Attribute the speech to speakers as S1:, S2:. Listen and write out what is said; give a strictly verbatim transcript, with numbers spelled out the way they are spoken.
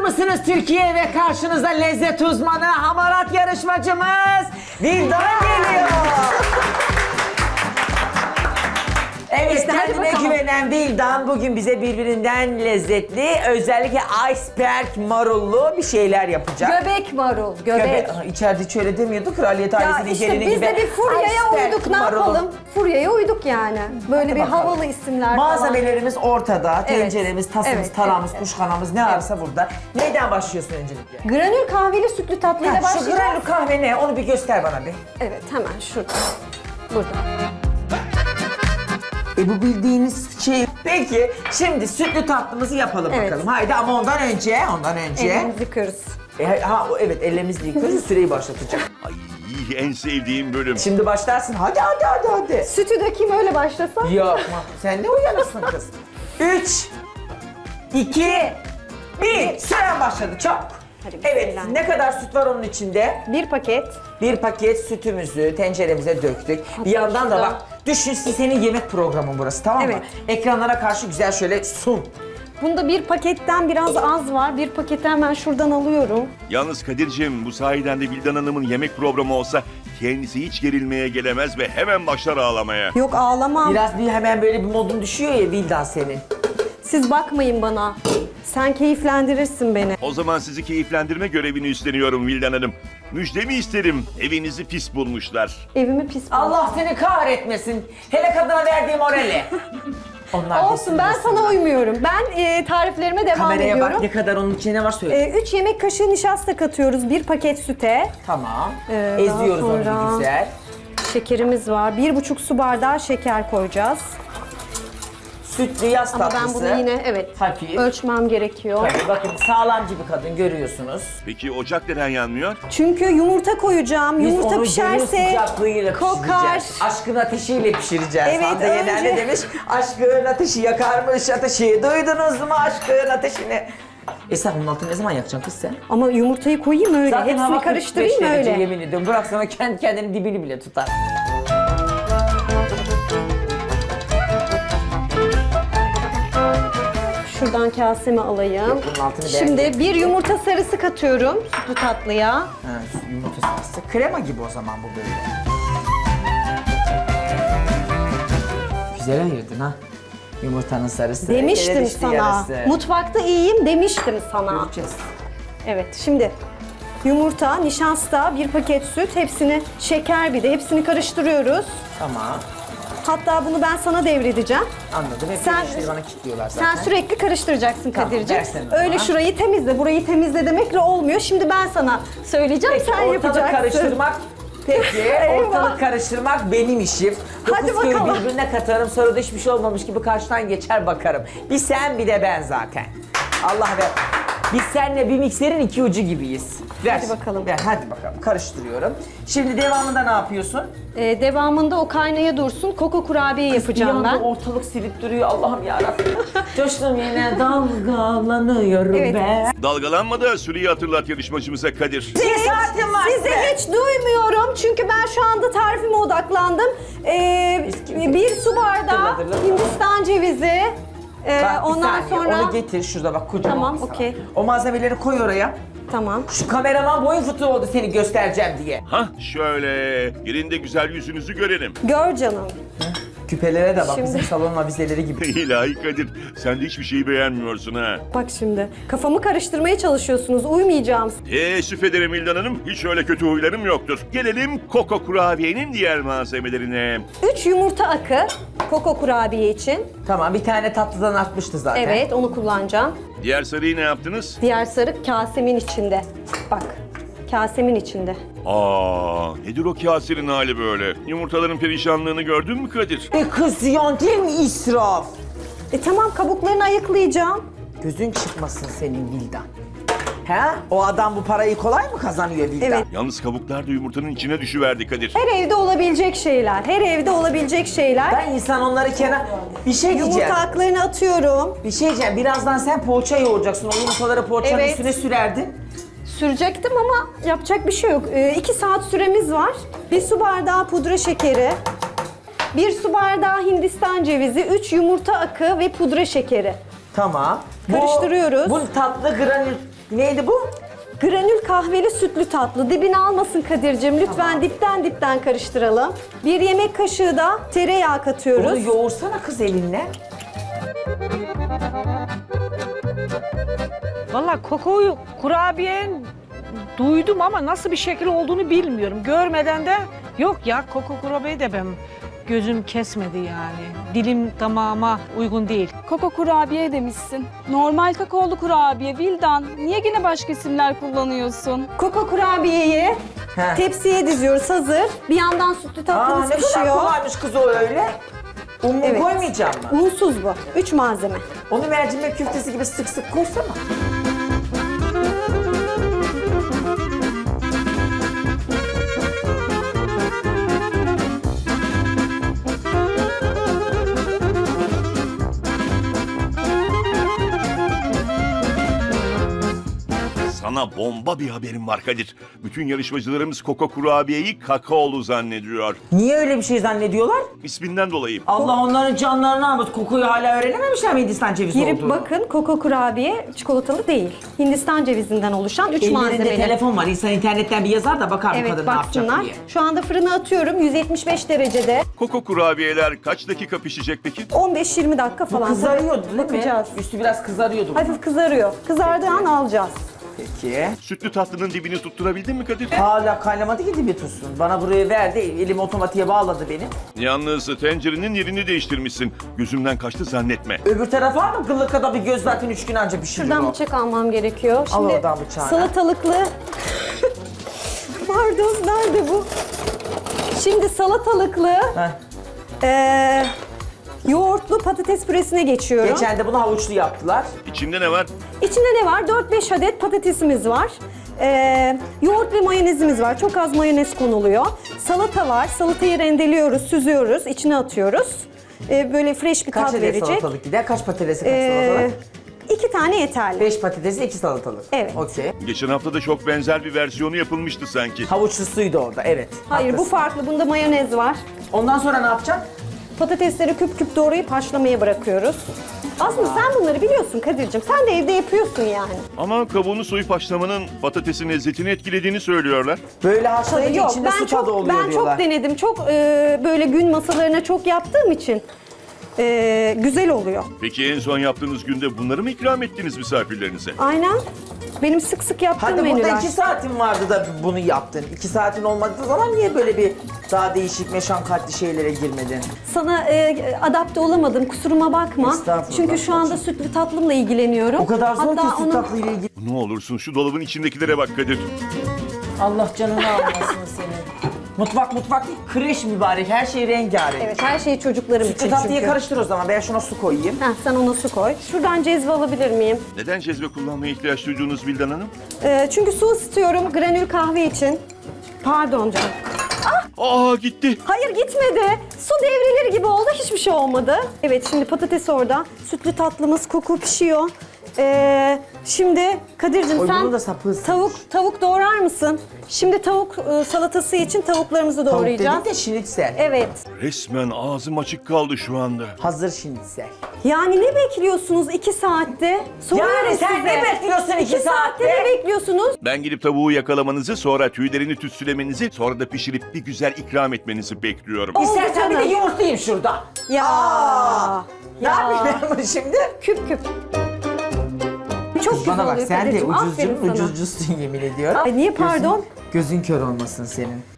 S1: mısınız Türkiye ve karşınızda lezzet uzmanı, hamarat yarışmacımız Vildan geliyor. Evet,
S2: İşte hadi
S1: kendine
S2: bakalım.
S1: güvenen Vildan bugün bize birbirinden lezzetli, özellikle iceberg marullu bir şeyler yapacak.
S2: Göbek marul, göbek.
S1: Göbe- Aa, İçeride hiç öyle demiyordu, kraliyet
S2: Ya
S1: ailesinin
S2: işte
S1: gelini
S2: biz
S1: gibi.
S2: de bir furyaya
S1: Iceberg
S2: uyduk, ne
S1: marulu.
S2: yapalım? Furyaya uyduk yani. Böyle
S1: Hadi
S2: bir
S1: bakalım.
S2: havalı isimler
S1: Malzemelerimiz ortada,
S2: Evet.
S1: tenceremiz, tasımız,
S2: Evet,
S1: taramız,
S2: evet,
S1: kuşkanamız ne varsa burada. Neyden başlıyorsun öncelikle?
S2: falan. Granül kahveli sütlü tatlıyla
S1: Ha, şu
S2: başlayacağız.
S1: granül kahve ne? Onu bir göster bana bir.
S2: Evet, hemen şurada. Burada.
S1: E bu bildiğiniz şey. Peki şimdi sütlü tatlımızı yapalım
S2: Evet.
S1: bakalım. Haydi ama ondan önce, ondan önce.
S2: Elimizi yıkıyoruz.
S1: E, ha o- evet ellerimizi yıkıyoruz, süreyi başlatacak.
S3: Ay en sevdiğim bölüm.
S1: Şimdi başlarsın. Hadi hadi hadi hadi.
S2: Sütü dökeyim öyle başlasam.
S1: Yok sen ne uyanırsın kız. Üç, iki, bir. Süren başladı çok.
S2: Hadi
S1: Evet,
S2: bismillah.
S1: ne kadar süt var onun içinde?
S2: Bir paket.
S1: Bir paket sütümüzü tenceremize döktük. Bir yandan da
S2: şurada.
S1: bak, düşün senin yemek programın burası, tamam mı?
S2: Evet.
S1: Ekranlara karşı güzel şöyle sun.
S2: Bunda bir paketten biraz az var. Bir paketi hemen şuradan alıyorum.
S3: Yalnız Kadir'cim bu sayeden de Vildan Hanım'ın yemek programı olsa kendisi hiç gerilmeye gelemez ve hemen başlar ağlamaya.
S2: Yok ağlamam.
S1: Biraz bir hemen böyle bir modun düşüyor ya Vildan senin.
S2: Siz bakmayın bana. Sen keyiflendirirsin beni.
S3: O zaman sizi keyiflendirme görevini üstleniyorum Vildan Hanım. Müjdemi isterim. Evinizi pis bulmuşlar.
S2: Evimi pis bul.
S1: Allah seni kahretmesin. Hele kadına verdiğim orali. Onlar
S2: Olsun,
S1: desin,
S2: ben
S1: desin.
S2: sana uymuyorum. Ben e, tariflerime devam
S1: Kameraya
S2: ediyorum.
S1: bak ne kadar onun içine ne var söyle.
S2: E, üç yemek kaşığı nişasta katıyoruz bir paket süte.
S1: Tamam.
S2: Ee,
S1: Eziyoruz
S2: daha
S1: onu
S2: sonra-
S1: bir güzel.
S2: Şekerimiz var. Bir buçuk su bardağı şeker koyacağız.
S1: Sütlü yaz
S2: Ama
S1: tatlısı.
S2: ben bunu yine evet
S1: Hafif.
S2: ölçmem gerekiyor.
S1: Tabii bakın sağlamcı bir kadın görüyorsunuz.
S3: Peki ocak neden yanmıyor?
S2: Çünkü yumurta koyacağım.
S1: Biz
S2: Yumurta
S1: onu gönül
S2: pişerse
S1: sıcaklığıyla
S2: kokar.
S1: pişireceğiz. Aşkın ateşiyle pişireceğiz.
S2: Evet,
S1: Hande Yener
S2: önce-
S1: ne demiş? Aşkın ateşi yakarmış ateşi. Duydunuz mu aşkın ateşini? E sen onun altını ne zaman yakacaksın kız sen?
S2: Ama yumurtayı koyayım öyle.
S1: Zaten hava
S2: Hepsini
S1: kırk beş
S2: karıştırayım
S1: derece,
S2: öyle.
S1: yemin ediyorum. Bırak sana kendi kendini dibini bile tutar.
S2: Şuradan kaseme alayım.
S1: Yok, bunun altını
S2: Şimdi
S1: beğendim.
S2: bir yumurta sarısı katıyorum sütlü tatlıya.
S1: Ha, yumurta sarısı. Krema gibi o zaman bu böyle. Güzel ayırdın ha. Yumurtanın sarısı.
S2: Demiştim
S1: yere düştü
S2: sana.
S1: yarısı.
S2: Mutfakta iyiyim demiştim sana.
S1: Göreceğiz.
S2: Evet, şimdi yumurta, nişasta, bir paket süt, hepsini şeker bir de hepsini karıştırıyoruz.
S1: Tamam.
S2: Hatta bunu ben sana devredeceğim.
S1: Anladım. Hep
S2: Sen-
S1: sen, bana kilitliyorlar zaten.
S2: Sen sürekli karıştıracaksın
S1: Tamam,
S2: Kadir'ciğim.
S1: versene bana.
S2: Öyle şurayı temizle, burayı temizle demekle olmuyor. Şimdi ben sana söyleyeceğim,
S1: Peki,
S2: sen
S1: ortalık
S2: yapacaksın.
S1: karıştırmak. Peki,
S2: Eyvah.
S1: ortalık karıştırmak benim işim.
S2: Hadi
S1: Dokuz köyü
S2: bakalım.
S1: birbirine katarım, sonra da hiçbir şey olmamış gibi karşıdan geçer bakarım. Bir sen bir de ben zaten. Allah ver. Biz seninle bir mikserin iki ucu gibiyiz. Ver.
S2: Hadi bakalım.
S1: Ver, hadi bakalım. Karıştırıyorum. Şimdi devamında ne yapıyorsun?
S2: Ee, devamında o kaynaya dursun, koko kurabiye yapacağım
S1: Bir anda
S2: ben.
S1: ortalık silip duruyor Allah'ım yarabbim. Coştum yine dalgalanıyorum
S2: Evet.
S1: ben.
S3: Dalgalanma da süreyi hatırlat yarışmacımıza Kadir.
S1: Bir saatim var
S2: Sizi
S1: size.
S2: hiç duymuyorum çünkü ben şu anda tarifime odaklandım. Ee,
S1: Eski-
S2: bir su bardağı
S1: Hatırla, hatırla.
S2: Hindistan cevizi. Ee,
S1: Bak, bir
S2: ondan
S1: saniye,
S2: sonra
S1: onu getir şurada bak kocaman.
S2: Tamam,
S1: bir sana.
S2: okey.
S1: O malzemeleri koy oraya.
S2: tamam.
S1: Şu kameraman boyun fıtığı oldu seni göstereceğim diye.
S3: Hah şöyle yerinde güzel yüzünüzü görelim.
S2: Gör canım.
S1: Küpelere de bak
S2: Şimdi-
S1: bizim salon avizeleri gibi.
S3: İlahi Kadir sen de hiçbir şeyi beğenmiyorsun ha.
S2: Bak şimdi kafamı karıştırmaya çalışıyorsunuz. Uymayacağım.
S3: Teessüf ederim Vildan Hanım. Hiç öyle kötü huylarım yoktur. Gelelim Koko Kurabiye'nin diğer malzemelerine.
S2: üç yumurta akı koko kurabiye için.
S1: Tamam bir tane tatlıdan atmıştı zaten.
S2: Evet, onu kullanacağım.
S3: Diğer sarıyı ne yaptınız?
S2: Diğer sarı kasemin içinde. Bak. Kasemin içinde.
S3: Aa, nedir o kaserin hali böyle? Yumurtaların perişanlığını gördün mü Kadir?
S1: E kız ziyan değil mi israf?
S2: E tamam, kabuklarını ayıklayacağım.
S1: Gözün çıkmasın senin Vildan. He? O adam bu parayı kolay mı kazanıyor Vildan?
S2: Evet.
S3: Yalnız kabuklar da yumurtanın içine düşüverdi Kadir.
S2: Her evde olabilecek şeyler. Her evde olabilecek şeyler.
S1: Ben insan onları kenar... Bir şey diyeceğim.
S2: Yumurta aklarını atıyorum.
S1: Bir şey diyeceğim. Birazdan sen poğaça yoğuracaksın. O yumurtaları poğaçanın
S2: Evet.
S1: üstüne sürerdin.
S2: Sürecektim ama yapacak bir şey yok. Ee, iki saat süremiz var. Bir su bardağı pudra şekeri. Bir su bardağı Hindistan cevizi. Üç yumurta akı ve pudra şekeri.
S1: Tamam.
S2: Karıştırıyoruz.
S1: Bu, bu tatlı granül neydi bu?
S2: Granül kahveli sütlü tatlı. Dibini almasın Kadir'cim. Lütfen
S1: Tamam.
S2: dipten dipten karıştıralım. Bir yemek kaşığı da tereyağı katıyoruz.
S1: Onu yoğursana kız elinle.
S4: Valla kokoyu kurabiyenin duydum ama nasıl bir şekil olduğunu bilmiyorum. Görmeden de yok ya koko kurabiye de ben gözüm kesmedi yani. Dilim tamama uygun değil.
S5: Koko kurabiye demişsin. Normal kakaolu kurabiye Vildan. Niye yine başka isimler kullanıyorsun?
S2: Koko kurabiyeyi
S1: Heh.
S2: tepsiye diziyoruz hazır. Bir yandan sütlü
S1: Aa,
S2: tatlımız
S1: ne kadar
S2: pişiyor.
S1: kolaymış kız o öyle. Un mu
S2: Evet.
S1: koymayacağım mı?
S2: Unsuz bu. Üç malzeme.
S1: Onu mercimek köftesi gibi sık sık koysana.
S3: Sana bomba bir haberim var Kadir. Bütün yarışmacılarımız Koko kurabiyeyi kakaolu zannediyor.
S1: Niye öyle bir şey zannediyorlar?
S3: İsminden dolayı.
S1: Allah onların canlarını almış. Kokuyu hala öğrenememişler mi Hindistan cevizi
S2: Girip
S1: olduğunu?
S2: bakın koko kurabiye çikolatalı değil. Hindistan cevizinden oluşan üç
S1: Ellerinde
S2: malzemeli.
S1: telefon var. İnsan internetten bir yazar da bakar bu
S2: Evet
S1: kadın ne
S2: baksınlar.
S1: yapacak diye.
S2: Şu anda fırına atıyorum yüz yetmiş beş derecede.
S3: Koko kurabiyeler kaç dakika pişecek peki?
S2: on beş yirmi dakika
S1: Bu
S2: falan.
S1: kızarıyordu değil
S2: Bakacağız.
S1: mi? Üstü biraz kızarıyordu.
S2: Hafif kızarıyor. Kızardığı an alacağız.
S1: Peki.
S3: Sütlü tatlının dibini tutturabildin mi Kadir?
S1: Hala kaynamadı ki dibi tutsun. Bana burayı verdi. Elim otomatiğe bağladı benim.
S3: Yalnız tencerenin yerini değiştirmişsin. Gözümden kaçtı zannetme.
S1: Öbür tarafa mı? Kıllı kadar bir göz zaten üç gün anca pişirir
S2: Şuradan
S1: o.
S2: bıçak almam gerekiyor.
S1: Al
S2: Şimdi
S1: oradan bıçağını.
S2: salatalıklı... Pardon nerede bu? Şimdi salatalıklı
S1: Heh.
S2: eee, yoğurtlu patates püresine geçiyorum.
S1: Geçen de bunu havuçlu yaptılar.
S3: İçinde ne var?
S2: İçinde ne var? dört beş adet patatesimiz var. Ee, yoğurt ve mayonezimiz var. Çok az mayonez konuluyor. Salata var. Salatayı rendeliyoruz, süzüyoruz, içine atıyoruz. Ee, böyle fresh bir
S1: Kaç
S2: tat
S1: adet
S2: verecek.
S1: salatalık gider? Kaç patatesi kaç
S2: Ee,
S1: salatalık?
S2: iki tane yeterli.
S1: Beş patatesi, iki salatalık.
S2: Evet.
S1: Okey.
S3: Geçen hafta da çok benzer bir versiyonu yapılmıştı sanki.
S1: Havuçlusuydu orada, evet.
S2: Hayır bu
S1: Haklısın.
S2: farklı. Bunda mayonez var.
S1: Ondan sonra ne yapacaksın?
S2: Patatesleri küp küp doğrayıp haşlamaya bırakıyoruz. Aslında sen bunları biliyorsun Kadir'cim. Sen de evde yapıyorsun yani.
S3: Ama kabuğunu soyup haşlamanın patatesin lezzetini etkilediğini söylüyorlar.
S1: Böyle haşlayınca
S2: Yok
S1: içinde
S2: ben
S1: su tadı
S2: çok
S1: oluyor
S2: ben
S1: diyorlar.
S2: çok denedim. Çok e, böyle gün masalarına çok yaptığım için e, güzel oluyor.
S3: Peki en son yaptığınız günde bunları mı ikram ettiniz misafirlerinize?
S2: Aynen. Benim sık sık yaptığım
S1: Hadi burada
S2: menüler.
S1: iki saatin vardı da bunu yaptın. İki saatin olmadığı zaman niye böyle bir daha değişik meşakkatli şeylere girmedin?
S2: Sana e, adapte olamadım. Kusuruma bakma.
S1: Estağfurullah.
S2: Çünkü şu anda sütlü tatlımla ilgileniyorum.
S1: O kadar zor
S2: Hatta
S1: ki süt
S2: onu-
S1: tatlıyla ilgili.
S3: Ne olursun şu dolabın içindekilere bak Kadir.
S1: Allah canını almasın senin. Mutfak mutfak değil, kreş mübarek. Her şey rengarenk.
S2: Evet her şeyi çocuklarım
S1: Sütlü
S2: için
S1: tatlıyı
S2: çünkü.
S1: karıştır o zaman. Ben şuna su koyayım.
S2: Heh, sen ona su koy. Şuradan cezve alabilir miyim?
S3: Neden cezve kullanmaya ihtiyaç duyduğunuz Vildan Hanım?
S2: E, çünkü su ısıtıyorum granül kahve için. Pardon canım.
S3: Aa gitti.
S2: Hayır gitmedi. Su devrilir gibi oldu. Hiçbir şey olmadı. Evet şimdi patates orada. Sütlü tatlımız koku pişiyor. Ee, şimdi Kadir'cim
S1: Oy,
S2: sen
S1: bunun da sapı ısınmış.
S2: tavuk tavuk doğrar mısın? Şimdi tavuk e, salatası için tavuklarımızı
S1: Tavuk
S2: doğrayacağız.
S1: dedin de şinitsel.
S2: Evet.
S3: Resmen ağzım açık kaldı şu anda.
S1: Hazır şinitsel.
S2: Yani ne bekliyorsunuz iki saatte? Soruyorum
S1: Yani sen
S2: size.
S1: ne bekliyorsun iki
S2: İki saatte
S1: saatte?
S2: ne bekliyorsunuz?
S3: Ben gidip tavuğu yakalamanızı, sonra tüylerini tütsülemenizi, sonra da pişirip bir güzel ikram etmenizi bekliyorum.
S1: İstersen bir de
S2: canım.
S1: yumurtlayayım şurada.
S2: Ya.
S1: Aa, ne
S2: Ya.
S1: yapayım ben bunu şimdi?
S2: Küp küp. Çok
S1: Kız bana
S2: güzel
S1: bak
S2: oluyor
S1: sen de
S2: Kadir'cim. Aferin
S1: ucuzcunun
S2: sana.
S1: ucuzcusun yemin ediyorum.
S2: Ay, niye pardon?
S1: Gözün, gözün kör olmasın senin.